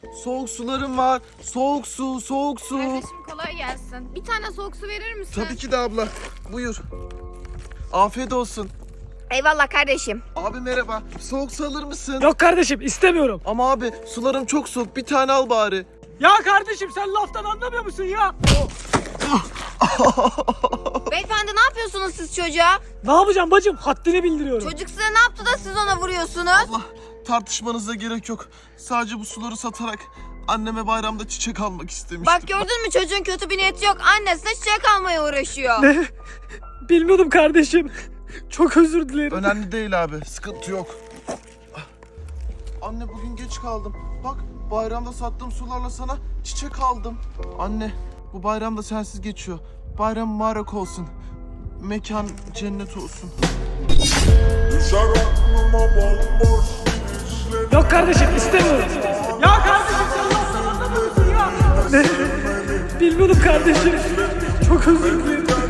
Soğuk sularım var. Soğuk su, soğuk su. Kardeşim kolay gelsin. Bir tane soğuk su verir misin? Tabii ki de abla. Buyur. Afiyet olsun. Eyvallah kardeşim. Abi merhaba. Soğuk su alır mısın? Yok kardeşim istemiyorum. Ama abi sularım çok soğuk. Bir tane al bari. Ya kardeşim sen laftan anlamıyor musun ya? Beyefendi ne yapıyorsunuz siz çocuğa? Ne yapacağım bacım? Haddini bildiriyorum. Çocuk size ne yaptı da siz ona vuruyorsunuz? Allah, tartışmanıza gerek yok. Sadece bu suları satarak anneme bayramda çiçek almak istemiştim. Bak gördün mü, çocuğun kötü bir niyeti yok. Annesine çiçek almaya uğraşıyor. Ne? Bilmiyordum kardeşim. Çok özür dilerim. Önemli değil abi. Sıkıntı yok. Anne bugün geç kaldım. Bak bayramda sattığım sularla sana çiçek aldım. Anne bu bayram da sensiz geçiyor. Bayram mübarek olsun. Mekan cennet olsun. Yok kardeşim istemiyorum. Ya kardeşim sen laftan anlamıyor musun ya? Ne? Bilmiyordum kardeşim. Çok özür dilerim.